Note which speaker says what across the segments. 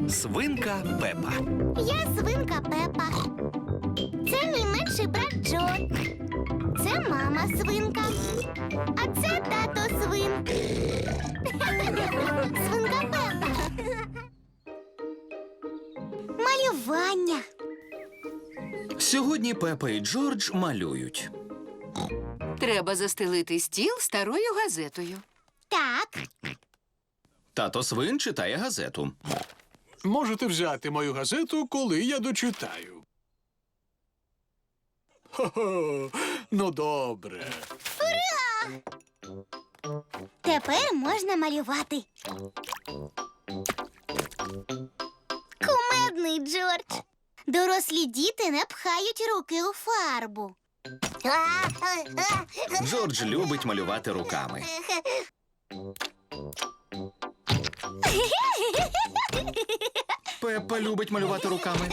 Speaker 1: Свинка Пепа.
Speaker 2: Я свинка Пепа. Це мій менший брат Джо. Це мама свинка. А це тато свин. Свинка Пепа. Малювання.
Speaker 1: Сьогодні Пепа і Джордж малюють.
Speaker 3: Треба застелити стіл старою газетою.
Speaker 2: Так.
Speaker 1: Тато свин читає газету.
Speaker 4: Можете взяти мою газету, коли я дочитаю. Хо-хо, ну добре.
Speaker 2: Тепер можна малювати. Кумедний Джордж. Дорослі діти не пхають руки у фарбу.
Speaker 1: Джордж любить малювати руками. Пепа любить малювати руками.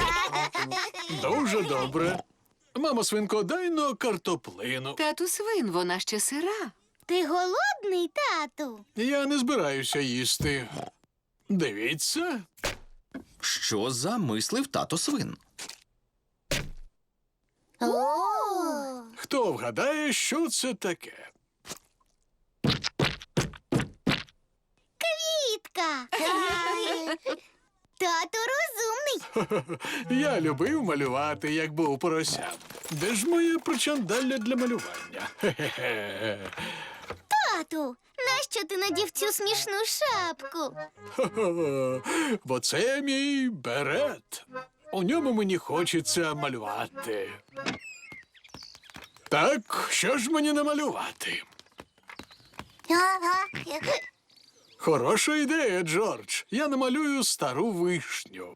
Speaker 4: Дуже добре. Мамо свинко, дай но картоплину.
Speaker 3: Тату свин, вона ще сира.
Speaker 2: Ти голодний, тату?
Speaker 4: Я не збираюся їсти. Дивіться.
Speaker 1: Що замислив тато свин?
Speaker 4: Хто вгадає, що це таке?
Speaker 2: Квітка. Тато розумний.
Speaker 4: Я любив малювати, як був поросям. Де ж моє причандалля для малювання? Хе-хе-хе.
Speaker 2: Тату, нащо ти надів цю смішну шапку?
Speaker 4: Хо-хо. Бо це мій берет. У ньому мені хочеться малювати. Так, що ж мені намалювати? Хороша ідея, Джордж. Я намалюю стару вишню.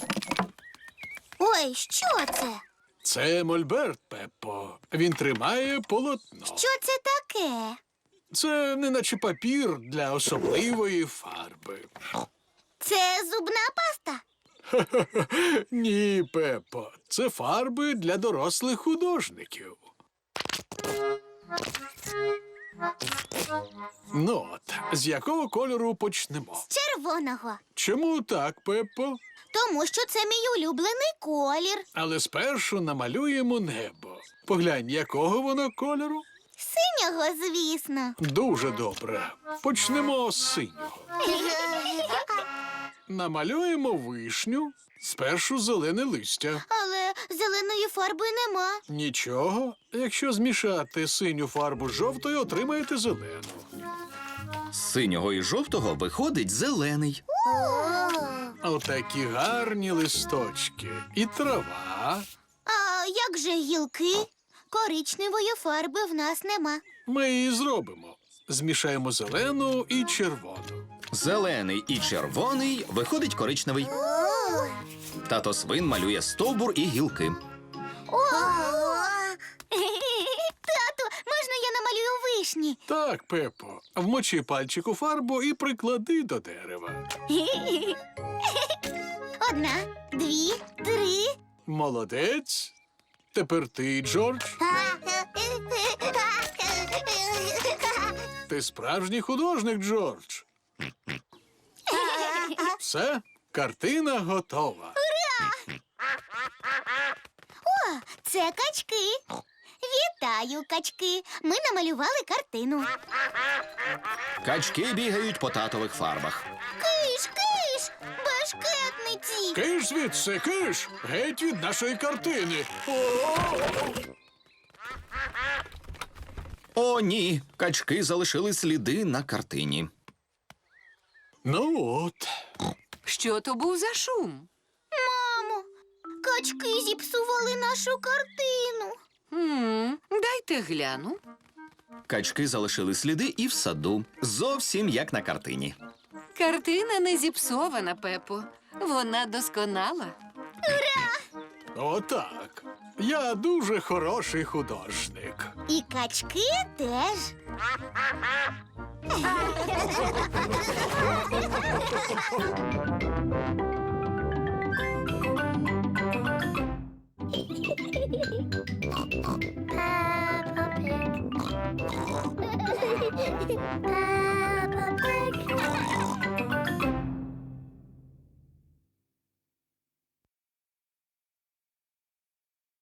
Speaker 2: Ой, що це?
Speaker 4: Це мольберт, Пеппо. Він тримає полотно.
Speaker 2: Що це таке?
Speaker 4: Це неначе папір для особливої фарби.
Speaker 2: Це зубна паста.
Speaker 4: Ні, Пеппо. Це фарби для дорослих художників. Ну от, з якого кольору почнемо?
Speaker 2: Червоного.
Speaker 4: Чому так, Пеппо?
Speaker 2: Тому що це мій улюблений колір.
Speaker 4: Але спершу намалюємо небо. Поглянь, якого воно кольору?
Speaker 2: Синього, звісно.
Speaker 4: Дуже добре. Почнемо з синього. Намалюємо вишню, спершу зелене листя.
Speaker 2: Але зеленої фарби нема.
Speaker 4: Нічого, якщо змішати синю фарбу з жовтою, отримаєте зелену.
Speaker 1: З синього і жовтого виходить зелений.
Speaker 4: Отакі гарні листочки. І трава.
Speaker 2: А як же гілки? Коричневої фарби в нас нема.
Speaker 4: Ми її зробимо. Змішаємо зелену і червону.
Speaker 1: Зелений і червоний виходить коричневий. Тато свин малює стовбур і гілки.
Speaker 2: Тату, можна я намалюю вишні?
Speaker 4: Так, Пеппо, вмочи пальчик у фарбу і приклади до дерева.
Speaker 2: Одна, дві, три.
Speaker 4: Молодець. Тепер ти, Джордж. Ти справжній художник, Джордж. Все, картина готова.
Speaker 2: О, це качки. Вітаю, качки. Ми намалювали картину.
Speaker 1: Качки бігають по татових фарбах.
Speaker 2: Киш, киш, бешкетниці.
Speaker 4: Киш звідси, киш! Геть від нашої картини.
Speaker 1: О, ні! Качки залишили сліди на картині.
Speaker 4: Ну от.
Speaker 3: Що то був за шум?
Speaker 2: Мамо, качки зіпсували нашу картину.
Speaker 3: Дайте гляну.
Speaker 1: Качки залишили сліди і в саду. Зовсім як на картині.
Speaker 3: Картина не зіпсована, Пепо. Вона досконала.
Speaker 4: Отак. Я дуже хороший художник.
Speaker 2: І качки теж.